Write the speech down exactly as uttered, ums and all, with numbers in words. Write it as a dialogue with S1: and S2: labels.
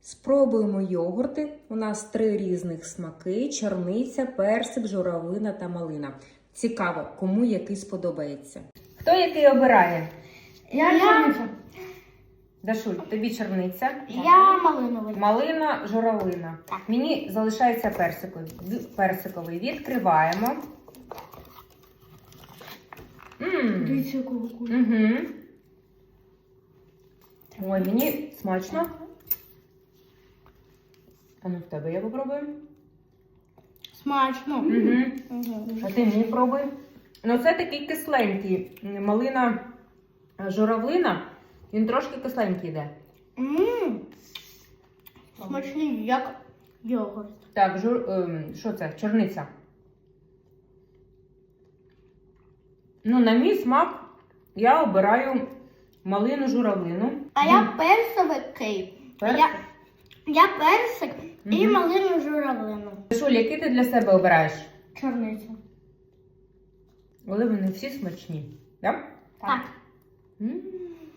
S1: Спробуємо йогурти. У нас три різних смаки: чорниця, персик, журавлина та малина. Цікаво, кому який сподобається. Хто який обирає?
S2: Я, я чорниця.
S1: Дашуль, тобі чорниця.
S2: Я малиновий.
S1: Малина, журавлина.
S2: Так.
S1: Мені залишається персиковий. Персиковий. Відкриваємо. Ммм.
S2: Дивіться, якого кулю.
S1: Угу. Ой, мені смачно. А ну в тебе я попробую.
S2: Смачно.
S1: Угу.
S2: Угу.
S1: А ти мені пробуй. Ну це такий кисленький. Малина, журавлина. Він трошки кисленький йде.
S2: Ммм. Смачний, як йогурт.
S1: Так, жур... ем, що це? Чорниця. Ну, на мій смак я обираю малину журавлину.
S2: А я персовий.
S1: Персик?
S2: Я, я персик і
S1: Мгм.
S2: малину журавлину.
S1: Шуль, який ти для себе обираєш?
S2: Чорницю.
S1: Але вони всі смачні. Так?
S2: Так.
S1: М.